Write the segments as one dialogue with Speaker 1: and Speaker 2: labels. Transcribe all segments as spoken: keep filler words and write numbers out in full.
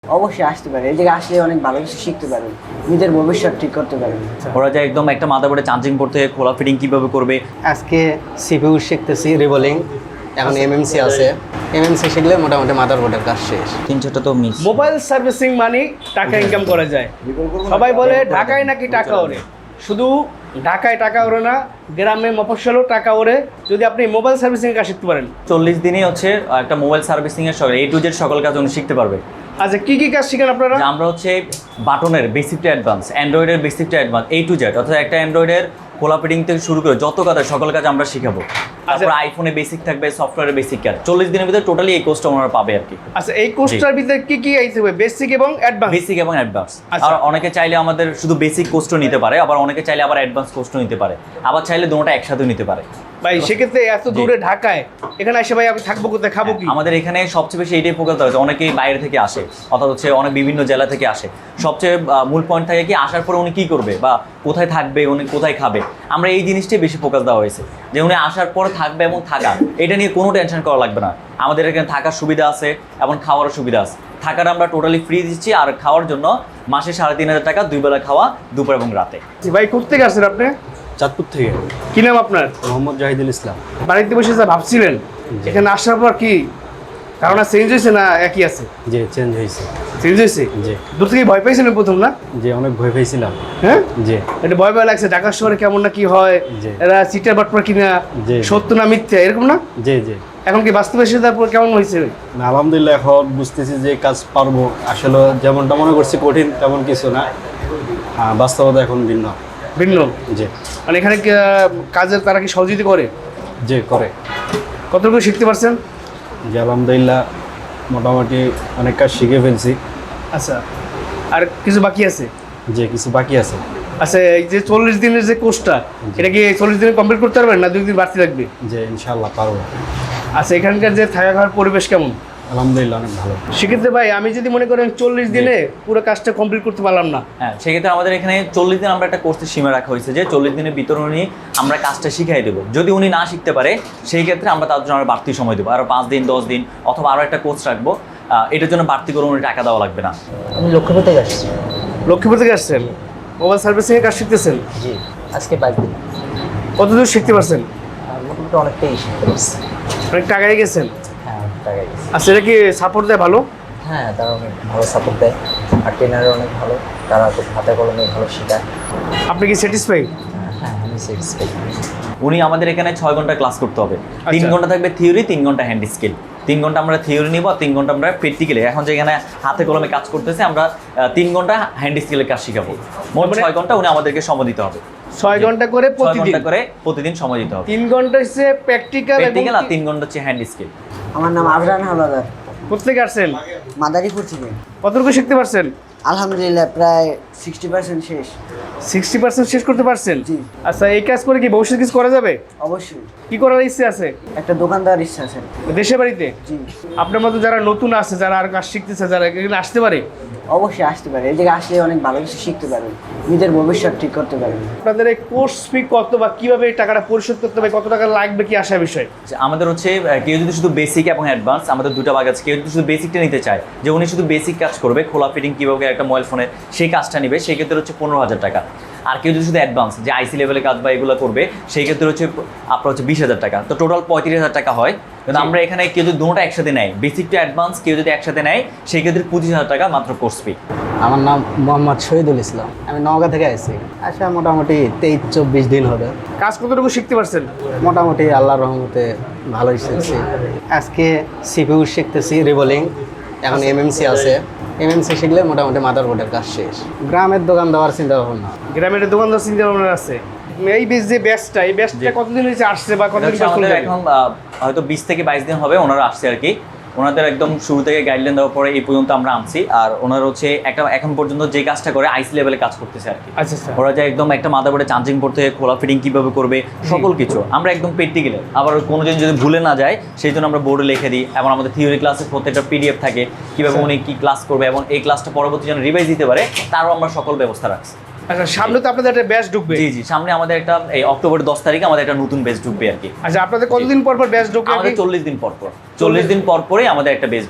Speaker 1: অবশ্যই আসতে পারে, এই জায়গায় আসলে অনেক ভালো কিছু শিখতে পারেন, নিজের ভবিষ্যৎ ঠিক করতে পারেন।
Speaker 2: ওরা যে একদম একটা মাদারবোর্ডে চার্জিং করতে খোলা ফিটিং কিভাবে করবে।
Speaker 3: আজকে সিপিইউ শিখতেছি রিভলিং, এখন এমএমসি আছে, এমএমসি শিখলে মোটামুটি মাদারবোর্ডের কাজ শেষ।
Speaker 2: তিন চারটা তো মিস।
Speaker 4: মোবাইল সার্ভিসিং মানে টাকা ইনকাম করা যায়। সবাই বলে ঢাকায় নাকি টাকা ওরে, শুধু ঢাকায় টাকা ওরে না, গ্রামে মফস্বলেও টাকা ওরে যদি আপনি মোবাইল সার্ভিসিং কাজ শিখতে পারেন।
Speaker 2: চল্লিশ দিনই হচ্ছে একটা মোবাইল সার্ভিসিং এর সকল এ টু জেড সকল কাজ উনি শিখতে পারবে।
Speaker 4: আচ্ছা, কি কি কাজ শিখেন আপনারা?
Speaker 2: যে আমরা হচ্ছে বাটনের বেসিক টু অ্যাডভান্স, অ্যান্ড্রয়েডের basic to advance, A to Z, অর্থাৎ একটা অ্যান্ড্রয়েডের খোলা ফিটিং থেকে শুরু করে যত কাজ সকল কাজ আমরা শিখাবো। তারপর আইফোনে বেসিক থাকবে, সফটওয়্যারের বেসিক কাজ। চল্লিশ দিনের ভিতরে টোটালি এই কোর্সটা ওনারা পাবে আর কি।
Speaker 4: আচ্ছা, এই কোর্সটার ভিতরে কি কি আইতে হবে? বেসিক এবং অ্যাডভান্স।
Speaker 2: বেসিক এবং অ্যাডভান্স।
Speaker 4: আচ্ছা।
Speaker 2: আর অনেকে চাইলে আমাদের শুধু বেসিক কোর্সও নিতে পারে, আবার অনেকে চাইলে আবার অ্যাডভান্স কোর্সও নিতে পারে, আবার চাইলে দুটোটা একসাথে নিতে পারে।
Speaker 4: ভাই সেক্ষেত্রে এত দূরে ঢাকায় এখানে এসে ভাই আমি থাকবো কোথায়, খাবো কি?
Speaker 2: আমাদের এখানে সবচেয়ে বেশি এইটাই ফোকাস দেওয়া হয়েছে, অনেকেই বাইরে থেকে আসে, অর্থাৎ হচ্ছে অনেক বিভিন্ন জেলা থেকে আসে। সবচেয়ে আহ, মূল পয়েন্ট থাকে কি, আসার পরে উনি কী করবে বা কোথায় থাকবে, উনি কোথায় খাবে, আমরা এই জিনিসটাই বেশি ফোকাস দেওয়া হয়েছে, যে উনি আসার পরে থাকবে এবং থাকা, এটা নিয়ে কোনো টেনশন করা লাগবে না। আমাদের এখানে থাকার সুবিধা আছে এবং খাওয়ারও সুবিধা আছে। থাকার আমরা টোটালি ফ্রি দিচ্ছি, আর খাওয়ার জন্য মাসে সাড়ে তিন হাজার টাকা, দুই বেলা খাওয়া, দুপুর এবং রাতে।
Speaker 4: ভাই কোথেকে আসছেন আপনি?
Speaker 3: চাঁদপুর থেকে
Speaker 4: কি নাম আপনার?
Speaker 3: মোহাম্মদ জাহিদুল ইসলাম।
Speaker 4: বাড়িতে বসে যা ভাবছিলেন, এখানে আসার পর কি ধারণা চেঞ্জ হয়েছে না একই আছে?
Speaker 3: যে চেঞ্জ হয়েছে।
Speaker 4: চেঞ্জ হয়েছে।
Speaker 3: জি
Speaker 4: দূর থেকে ভয় পাইছিলেন প্রথম না?
Speaker 3: যে অনেক ভয় পেয়েছিলাম।
Speaker 4: হ্যাঁ,
Speaker 3: যে
Speaker 4: এটা ভয় ভয় লাগছে, ঢাকা শহরে কেমন না কি হয়,
Speaker 3: জি।
Speaker 4: এরা চিটার বাটপার কিনা,
Speaker 3: জি।
Speaker 4: সত্য না মিথ্যা, এরকম না?
Speaker 3: যে যে
Speaker 4: এখন কি বাস্তবে এসে তারপর কেমন হয়েছে?
Speaker 3: না, আলহামদুলিল্লাহ এখন বুঝতেছি যে কাজ পারবো। আসলে যেমনটা মনে করছি কঠিন তেমন কিছু না, হ্যাঁ বাস্তবতা এখন ভিন্ন।
Speaker 4: ভিন্ন
Speaker 3: যে
Speaker 4: মানে এখানে কি, আহ, কাজের তারা কি সহযোগিতা করে?
Speaker 3: যে করে
Speaker 4: কতটুকু শিখতে পারছেন?
Speaker 3: যে আলহামদুলিল্লাহ মোটামুটি অনেক কাজ শিখে ফেলছি।
Speaker 4: আচ্ছা, আর কিছু বাকি আছে?
Speaker 3: যে কিছু বাকি আছে।
Speaker 4: আচ্ছা, এই যে চল্লিশ দিনের যে কোর্সটা, এটা কি চল্লিশ দিনে কমপ্লিট করতে পারবেন না দুই দিন বাড়তি লাগবে?
Speaker 3: যে ইনশাল্লাহ পারবো।
Speaker 4: আচ্ছা, এখানকার যে থাকা খাওয়ার পরিবেশ কেমন?
Speaker 3: আলহামদুলিল্লাহ অনেক ভালো।
Speaker 4: সেক্ষেত্রে ভাই আমি যদি মনে করেন চল্লিশ দিনে পুরো কাজটা কমপ্লিট করতে পারলাম না,
Speaker 2: হ্যাঁ, সেক্ষেত্রে আমাদের এখানে চল্লিশ দিন আমরা একটা কোর্সের সীমা রাখা হয়েছে, যে চল্লিশ দিনের ভিতরে উনি আমরা কাজটা শিখাই দেবো। যদি উনি না শিখতে পারে, সেই ক্ষেত্রে আমরা তার জন্য আরও বাড়তি সময় দেবো, আরও পাঁচ দিন দশ দিন অথবা আরও একটা কোর্স রাখবো। আহ, এটার জন্য বাড়তি করে উনি টাকা দেওয়া লাগবে না।
Speaker 1: আমি লক্ষ্মীপুর থেকে আসছি।
Speaker 4: লক্ষ্মীপুর থেকে আসছেন, মোবাইল সার্ভিসিং এর কাজ শিখতেছেন।
Speaker 1: জি, আজকে বাইক দিন।
Speaker 4: কতদূর শিখতে পারছেন?
Speaker 1: মোটামুটি অনেকটাই শিখতে পারছি।
Speaker 4: অনেক টাকায় গেছেন।
Speaker 1: হ্যাঁ, অনেক টাকা গেছে।
Speaker 4: আচ্ছা, এটা কি সাপোর্ট দেয় ভালো?
Speaker 1: হ্যাঁ, তারা অনেক ভালো সাপোর্ট দেয়, আর ট্রেনারও অনেক ভালো, তারা খুব হাতে কলমে ভালো শেখায়।
Speaker 4: আপনি কি স্যাটিসফাই?
Speaker 1: হ্যাঁ, আমি স্যাটিসফাই।
Speaker 2: উনি আমাদের এখানে ছয় ঘন্টা ক্লাস করতে হবে। তিন
Speaker 4: আচ্ছা।
Speaker 2: ঘন্টা থাকবে থিওরি, তিন ঘন্টা হ্যান্ড স্কিল। তিন ঘন্টা আমরা থিওরি নিব, আর তিন ঘন্টা আমরা প্র্যাকটিক্যালি, এখন যেখানে হাতে কলমে কাজ করতেছে, আমরা আহ, তিন ঘন্টা হ্যান্ড স্কিলের কাজ শিখাবো। মোট
Speaker 4: মানে-
Speaker 2: ছয় ঘন্টা উনি আমাদেরকে সময় দিতে হবে।
Speaker 4: ছয় ঘন্টা করে
Speaker 2: ছয়
Speaker 4: প্রতিদিন?
Speaker 2: ঘন্টা করে প্রতিদিন সময় দিতে হবে।
Speaker 4: তিন ঘন্টা হচ্ছে প্র্যাকটিক্যাল এবং
Speaker 2: প্র্যাকটিক্যাল, আর তিন ঘন্টা হচ্ছে হ্যান্ড স্কিল।
Speaker 1: আমার নাম আবরান হাওলাদার,
Speaker 4: কোথেকে আসছেন?
Speaker 1: মাদারীপুর থেকে।
Speaker 4: কতটুকু শিখতে পারছেন?
Speaker 1: আলহামদুলিল্লাহ প্রায় সিক্সটি পার্সেন্ট শেষ।
Speaker 4: সিক্সটি পার্সেন্ট শেষ করতে পারছেন?
Speaker 1: জি।
Speaker 4: আচ্ছা, এই কাজ করে কি ভবিষ্যৎ কিছু করা যাবে?
Speaker 1: অবশ্যই
Speaker 4: কি করার ইচ্ছে আছে?
Speaker 1: একটা দোকান দেওয়ার ইচ্ছা আছে।
Speaker 4: দেশে বাড়িতে?
Speaker 1: জি,
Speaker 4: আপনার মতো যারা নতুন আছে, যারা আর কাজ শিখতেছে, যারা এখানে আসতে পারে,
Speaker 1: অবশ্যই আসতে পারে, এই জায়গায় আসলে অনেক ভালো কিছু শিখতে পারেন, নিজের ভবিষ্যৎ ঠিক করতে পারেন।
Speaker 4: আপনাদের এই কোর্স ফি কত বা কিভাবে এই টাকাটা পরিশোধ করতে হবে, কত টাকা লাগবে, কি আসার বিষয়?
Speaker 2: যে আমাদের হচ্ছে আহ, কেউ যদি শুধু বেসিক এবং অ্যাডভান্স, আমাদের দুটো ভাগ আছে। কেউ যদি শুধু বেসিকটা নিতে চায়, যে উনি শুধু বেসিক কাজ করবে, খোলা ফিটিং কীভাবে একটা মোবাইল ফোনের, সেই কাজটা নেবে, সেই ক্ষেত্রে হচ্ছে পনেরো হাজার টাকা। আর কেউ যদি শুধু অ্যাডভান্স, যে আইসি লেভেলের কাজ বা এগুলো করবে, সেই ক্ষেত্রে হচ্ছে আপনার হচ্ছে বিশ হাজার টাকা। তো টোটাল পঁয়ত্রিশ হাজার টাকা হয়। কিন্তু আমরা এখানে কেউ যদি দুটোটা একসাথে নেয়, বেসিক টু অ্যাডভান্স কেউ যদি একসাথে নেয়, সেই ক্ষেত্রে পঁচিশ হাজার টাকা মাত্র কোর্স ফি।
Speaker 3: আমার নাম মোহাম্মদ শহীদুল ইসলাম, আমি নওগাঁ থেকে আসছি। আচ্ছা, মোটামুটি তেইশ চব্বিশ দিন হবে।
Speaker 4: কাজ কতটুকু শিখতে পারছেন?
Speaker 3: মোটামুটি আল্লাহর রহমতে ভালোই শিখছি। আজকে সিপিইউ শিখতেছি রিভলিং, এখন এমএমসি আছে, এমএমসি শিখলে মোটামুটি মাদারবোর্ডের কাজ শেষ। গ্রামের দোকান দেওয়ার চিন্তা ভাবনা।
Speaker 4: গ্রামের দোকানদার চিন্তা ভাবনা আছে। এই বেশ যে ব্যাচটা, এই ব্যাচটা কতদিন হয়েছে আসছে বা
Speaker 2: এটা
Speaker 4: কতদিন
Speaker 2: হচ্ছে
Speaker 4: পর
Speaker 2: আমাদের
Speaker 4: চলবে?
Speaker 2: এখন আহ, হয়তো বিশ থেকে বাইশ দিন হবে ওনারা আসছে আর কি। ওনাদের একদম শুরু থেকে গাইডলাইন দেওয়ার পরে এই পর্যন্ত আমরা আনছি। আর ওনারা হচ্ছে একটা এখন পর্যন্ত যে কাজটা করে আইসি লেভেলে কাজ করতেছে আর কি।
Speaker 4: আচ্ছা আচ্ছা।
Speaker 2: ওরা যে একদম একটা মাদারবোর্ডে চার্জিং করতে, খোলা ফিটিং কিভাবে করবে, সকল কিছু আমরা একদম প্র্যাকটিক্যালি, আবার কোনো দিন যদি ভুলে না যায় সেই জন্য আমরা বোর্ডে লিখে দিই। এবং আমাদের থিওরি ক্লাসের প্রত্যেকটা পিডিএফ থাকে, কীভাবে উনি কী ক্লাস করবে এবং এই ক্লাসটা পরবর্তী যেন রিভাইজ দিতে পারে, তারও আমরা সকল ব্যবস্থা রাখছি।
Speaker 4: আচ্ছা, সামনে তো আপনাদের একটা ব্যাচ ঢুকবে।
Speaker 2: জি জি, সামনে আমাদের একটা এই অক্টোবর দশ তারিখে আমাদের একটা নতুন বেচ ঢুকবে আর কি।
Speaker 4: আচ্ছা, আপনাদের কতদিন পর পর ব্যাচ ঢুকবে?
Speaker 2: আমাদের চল্লিশ দিন পর পর চল্লিশ দিন পর পরে আমাদের একটা বেচ ঢুকবে।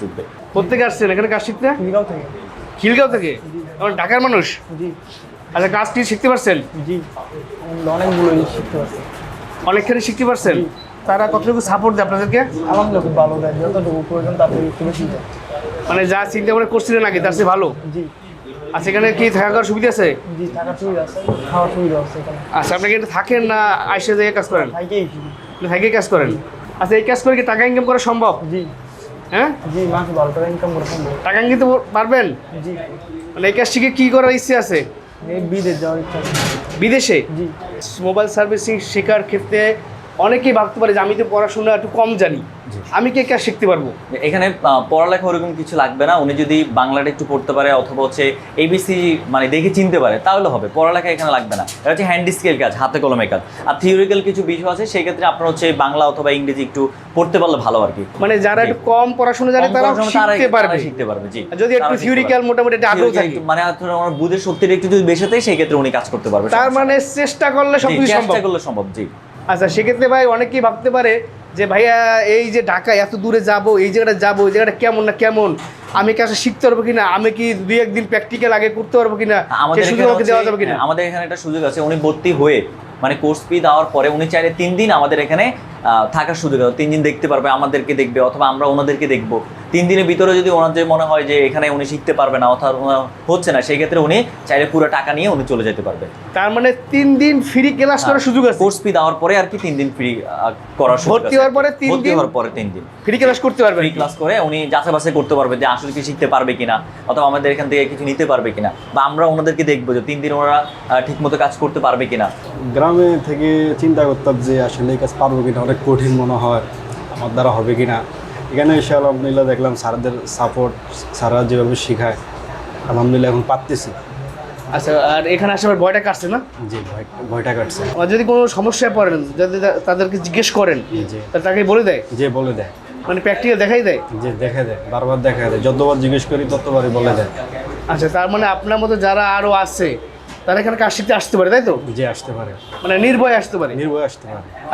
Speaker 4: কোথেকে আসছেন এখানে কাজ শিখতে?
Speaker 5: খিলগাঁও থেকে।
Speaker 4: খিলগাঁও থেকে? আমার ঢাকার মানুষ?
Speaker 5: জি
Speaker 4: আচ্ছা, কাজটি শিখতে পারছেন?
Speaker 5: জি অনেকগুলো শিখতে পারছি।
Speaker 4: অনেকখানি শিখতে পারছেন? তারা কতটুকু সাপোর্ট দেয় আপনাদেরকে?
Speaker 5: আলহামদুলিল্লাহ খুব ভালো দেয়, যতটুকু প্রয়োজন তার থেকে একটু বেশি দেয়।
Speaker 4: মানে যা চিন্তা করে করছিলেন আগে তার চেয়ে ভালো?
Speaker 5: জি
Speaker 4: আচ্ছা, এখানে কি থাকা খাওয়ার সুবিধা আছে?
Speaker 5: জি থাকার সুবিধা আছে, খাওয়ার সুবিধা আছে এখানে।
Speaker 4: আচ্ছা, আপনি কি এখানে থাকেন না আইসে যেয়ে কাজ করেন?
Speaker 5: থাকেই।
Speaker 4: থেকে কাজ করেন? আচ্ছা, এই কাজ করে কি টাকা ইনকাম করা সম্ভব?
Speaker 5: জি
Speaker 4: হ্যাঁ,
Speaker 5: জি মাসে বারো টাকা ইনকাম করে সম্ভব।
Speaker 4: টাকা ইনকাম করতে পারবেন?
Speaker 5: জি
Speaker 4: মানে এই কাজ শিখে কি করার ইচ্ছে আছে?
Speaker 5: এই বিদেশ যাওয়ার ইচ্ছা আছে।
Speaker 4: বিদেশে?
Speaker 5: জি
Speaker 4: মোবাইল সার্ভিসিং শেখার ক্ষেত্রে অনেকেই ভাবতে পারে যে আমি তো পড়াশোনা একটু কম জানি, আমি কি এই কাজ শিখতে পারবো?
Speaker 2: এখানে আহ, পড়ালেখা ওরকম কিছু লাগবে না। উনি যদি বাংলাটা একটু পড়তে পারে অথবা হচ্ছে এবিসি মানে দেখে চিনতে পারে তাহলে হবে। পড়ালেখা এখানে লাগবে না। এটা হচ্ছে হ্যান্ড স্কেল কাজ, হাতে কলমে কাজ। আর থিওরিক্যাল কিছু বিষয় আছে, সেই ক্ষেত্রে আপনার হচ্ছে বাংলা অথবা ইংরেজি একটু পড়তে পারলে ভালো আর কি।
Speaker 4: মানে যারা একটু কম পড়াশোনা জানে
Speaker 2: কম
Speaker 4: তারা
Speaker 2: পড়াশোনা
Speaker 4: শিখতে
Speaker 2: তারাই-
Speaker 4: পারবে।
Speaker 2: তারাই শিখতে পারবে, জি।
Speaker 4: আর যদি একটু
Speaker 2: তারা শিখতে
Speaker 4: থিওরিক্যাল
Speaker 2: পারবে।
Speaker 4: মোটামুটি একটা আগ্রহ
Speaker 2: Theoretical
Speaker 4: থাকে,
Speaker 2: একটু মানে হচ্ছে আমার বুধের শক্তিটা একটু যদি বেশি থাকে সেই ক্ষেত্রে উনি কাজ করতে পারবে।
Speaker 4: তার মানে চেষ্টা করলে
Speaker 2: জি,
Speaker 4: সবকিছু সম্ভব।
Speaker 2: চেষ্টা করলে সম্ভব, জি।
Speaker 4: আচ্ছা, সেক্ষেত্রে ভাই অনেকেই ভাবতে পারে যে ভাইয়া এই যে ঢাকায় এত দূরে যাব, এই জায়গাটা যাবো, এই জায়গাটা কেমন না কেমন, আমি কাজটা শিখতে পারবো কিনা, আমি কি দুই একদিন প্র্যাকটিক্যাল আগে করতে পারবো কিনা,
Speaker 2: আমাদের
Speaker 4: সে সুযোগ
Speaker 2: এখানে
Speaker 4: আমাকে দেওয়া যাবে
Speaker 2: হচ্ছে-
Speaker 4: কিনা?
Speaker 2: আমাদের এখানে একটা সুযোগ আছে। উনি ভর্তি হয়ে মানে কোর্স ফি দেওয়ার পরে উনি চাইলে তিন দিন আমাদের এখানে আহ, থাকার সুযোগ আছে। তিন দিন দেখতে পারবে, আমাদেরকে দেখবে অথবা আমরা ওনাদেরকে দেখবো। তিন দিনের ভিতরে যদি ওনার যে মনে হয় যে এখানে উনি শিখতে পারবে না অথবা ওনার হচ্ছে না, সেই ক্ষেত্রে উনি চাইলে পুরো টাকা নিয়ে উনি চলে যেতে পারবে।
Speaker 4: তার মানে তিন দিন ফ্রি ক্লাস করার সুযোগ আছে?
Speaker 2: কোর্স ফি দেওয়ার পরে আর কি তিন দিন ফ্রি করার সুযোগ
Speaker 4: ভর্তি
Speaker 2: আছে।
Speaker 4: হওয়ার পরে তিন
Speaker 2: ভর্তি
Speaker 4: দিন?
Speaker 2: হওয়ার পরে তিন দিন
Speaker 4: ফ্রি ক্লাস করতে পারবেন?
Speaker 2: ফ্রি ক্লাস করে উনি যাচাই বাছাই করতে পারবে যে আসলে কি শিখতে পারবে কিনা অথবা আমাদের এখান থেকে কিছু নিতে পারবে কিনা, বা আমরা ওনাদেরকে দেখবো যে তিন দিন ওনারা ঠিক মতো কাজ করতে পারবে কিনা।
Speaker 6: গ্রামে থেকে চিন্তা করতাম যে আসলে এই কাজ পারবো কিনা, অনেক কঠিন মনে হয়, আমার দ্বারা হবে কিনা। এখানে এসে আলহামদুলিল্লাহ দেখলাম স্যারদের সাপোর্ট, স্যাররা যেভাবে শেখায় আলহামদুলিল্লাহ এখন পারতেছি।
Speaker 4: আচ্ছা, আর এখানে আসার ভয়টা কাটছে না?
Speaker 6: জি ভয় ভয়টা কাটছে।
Speaker 4: আর যদি কোনো সমস্যায় পড়েন, যদি তা- তাদেরকে জিজ্ঞেস করেন,
Speaker 6: জি
Speaker 4: তাহলে তাকে বলে দেয়,
Speaker 6: যে বলে দেয়,
Speaker 4: মানে প্র্যাকটিক্যাল দেখাই দেয়?
Speaker 6: যে দেখে দেয়, বারবার দেখা দেয়, যতবার জিজ্ঞেস করি ততবারই বলে দেয়।
Speaker 4: আচ্ছা, তার মানে আপনার মতো যারা আরও আছে তারা এখানে কাজ শিখতে আসতে পারে, তাই তো?
Speaker 6: যে আসতে পারে,
Speaker 4: মানে নির্ভয়ে আসতে পারে?
Speaker 6: নির্ভয় আসতে পারে।